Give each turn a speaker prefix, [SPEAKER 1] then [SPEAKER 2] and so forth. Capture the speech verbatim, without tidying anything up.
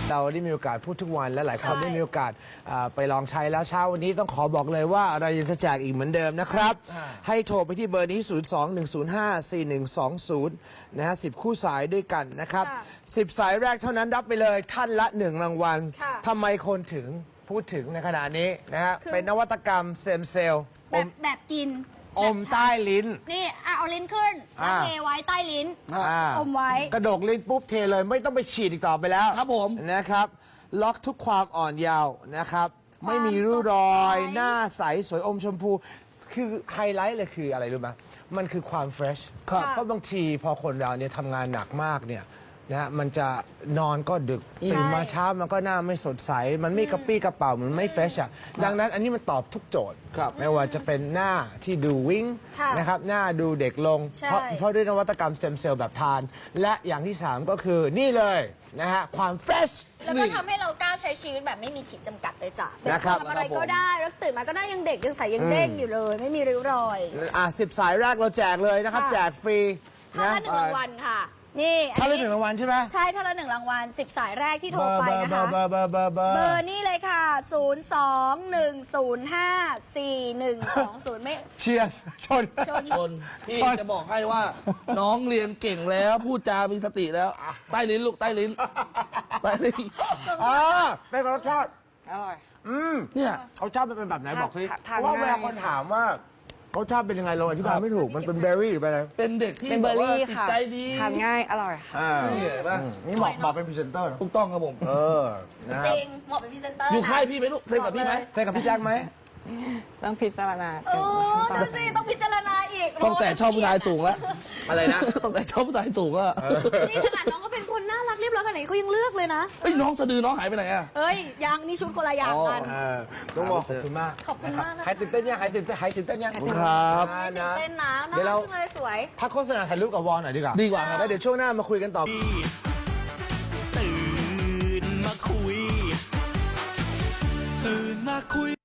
[SPEAKER 1] เราได้มีโอกาสพูดทุกวันและหลายคนได้มีโอกาสไปลองใช้แล้วเช้าวันนี้ต้องขอบอกเลยว่าเรายังจะแจกอีกเหมือนเดิมนะครับให้โทรไปที่เบอร์นี้ ศูนย์ สอง หนึ่ง ศูนย์ ห้า สี่ หนึ่ง สอง ศูนย์ นะฮะสิบคู่สายด้วยกันนะครับสิบสายแรกเท่านั้นรับไปเลยท่านละหนึ่งรางวัลทำไมคนถึงพูดถึงในขณะนี้นะฮะเป็นนวัตกรรมเซมเซลล์
[SPEAKER 2] แบบแบบกิน
[SPEAKER 1] อมใต้ลิ้น
[SPEAKER 2] นี่อ่ะเอาลิ้นขึ้นแล้วเทไว้ใต้ลิ้นอมไว้
[SPEAKER 1] กระดกลิ้นปุ๊บเทเลยไม่ต้องไปฉีดอีกต่อไปแล้ว
[SPEAKER 3] ครับผม
[SPEAKER 1] นะครับล็อกทุกความอ่อนเยาว์นะครับไม่มีริ้วรอยหน้าใสสวยอมชมพูคือไฮไลท์เลยคืออะไรรู้ไหมมันคือความเฟรชเพราะบางทีพอคนเราเนี่ยทำงานหนักมากเนี่ยนะมันจะนอนก็ดึกตื่นมาเช้ามันก็หน้าไม่สดใสมันไม่กระปี้กระเป๋ามันไม่เฟรชอ่ะดังนั้นอันนี้มันตอบทุกโจทย์ไม่ว่าจะเป็นหน้าที่ดูวิ่งนะครับหน้าดูเด็กลงเพราะเพราะด้วยนวัตกรรมสเต็มเซลล์แบบทานและอย่างที่สามก็คือนี่เลยนะฮะความเฟรช
[SPEAKER 2] แล้วก็ทำให้เรากล้าใช้ชีวิตแบบไม่มีขีดจำกัดเลยจ้ะ
[SPEAKER 1] นะครับ
[SPEAKER 2] ทำอะไรก็ได้แล้วตื่นมาก็ได้ยังเด็กยังใสยังเด้งอยู่เลยไม่มีริ้วรอย
[SPEAKER 1] อ่ะสิบสายแรกเราแจกเลยนะครับแจกฟรี
[SPEAKER 2] ท่านละหนึ่งรางวัลค่ะนี่
[SPEAKER 1] ท่านละหนึ่งรางวัลใช่ไหม
[SPEAKER 2] ใช่ท่านละหนึ่งรางวัลสิบสายแรกที่โทรไปนะคะ
[SPEAKER 1] เบอร์เบอร์เบอร์เบอร์
[SPEAKER 2] เบอร์นี่เลยค่ะศูนย์ สอง หนึ่ง ศูนย์ ห้า สี่ หนึ่ง สอง ศูนย์ไม่
[SPEAKER 1] เชียร์ชน
[SPEAKER 3] ชนพี่จะบอกให้ว่าน้องเรียนเก่งแล้วพูดจามีสติแล้วใต้ลิ้นลูกใต้ลิ้นใต้ลิ้น
[SPEAKER 1] อ่าเป็นรสชาติ
[SPEAKER 4] อร่อย
[SPEAKER 1] อืม
[SPEAKER 3] เนี่ย
[SPEAKER 1] เขาชอบเป็นแบบไหนบอกสิเพราะว่าเวลาคนถามว่าเขาชอบเป็นยังไงเราอธิบายไม่ถูกมันเป็นเบอร์รี่หรือเป็นอะไร
[SPEAKER 3] เป็นเด็กที่
[SPEAKER 4] เป็นเบอร์รี่ค่ะ
[SPEAKER 3] ใจดี
[SPEAKER 4] ทานง่ายอร่อย
[SPEAKER 1] นี่เหมาะเหมาะเป็นพรีเซนเตอร์
[SPEAKER 3] ถูกต้องครับผม
[SPEAKER 1] เออ
[SPEAKER 2] จริงเหมาะเป็นพรีเซนเตอร์
[SPEAKER 3] อยู่ค่ายพี่ไหมลูกเซ็นกับพี่ไหม
[SPEAKER 1] เซ็นกับพี่แจ็คไหม
[SPEAKER 4] ต้องพิจารณา
[SPEAKER 2] โอ้ดูสิต้องพิจารณาอีก
[SPEAKER 3] ต้องแต่ชอบผู้ชายสูงแล้ว
[SPEAKER 1] อะไรนะ
[SPEAKER 3] ต้องแต่ชอบผู้ชายสูงอะ
[SPEAKER 2] นี่ขนาดน้องก็เป็นคนน่ารักเรียบร้อยขนาดนี้เขายังเลือกเลยนะ
[SPEAKER 3] เอ้ยน้องสะดือน้องหายไปไหนอะ
[SPEAKER 2] เอ้ยยังนี่ชุดคนละอย่างกัน
[SPEAKER 1] ต้องบอกขอบคุณมาก
[SPEAKER 2] ขอบคุณมากนะ
[SPEAKER 1] หายตื่นเต้นยังหายตื่นเต้นหายตื่นเต้นยัง
[SPEAKER 3] ครับ
[SPEAKER 2] ตื่นเต้นนะเดี๋ยวเราเลยสวย
[SPEAKER 1] พักโฆษณาถ่ายรูปกับวอลหน่อยดีกว่า
[SPEAKER 3] ดีกว่าครับ
[SPEAKER 1] แล้วเดี๋ยวช่วงหน้ามาคุยกันต่อ
[SPEAKER 5] ตื่นมาคุยตื่นมาคุย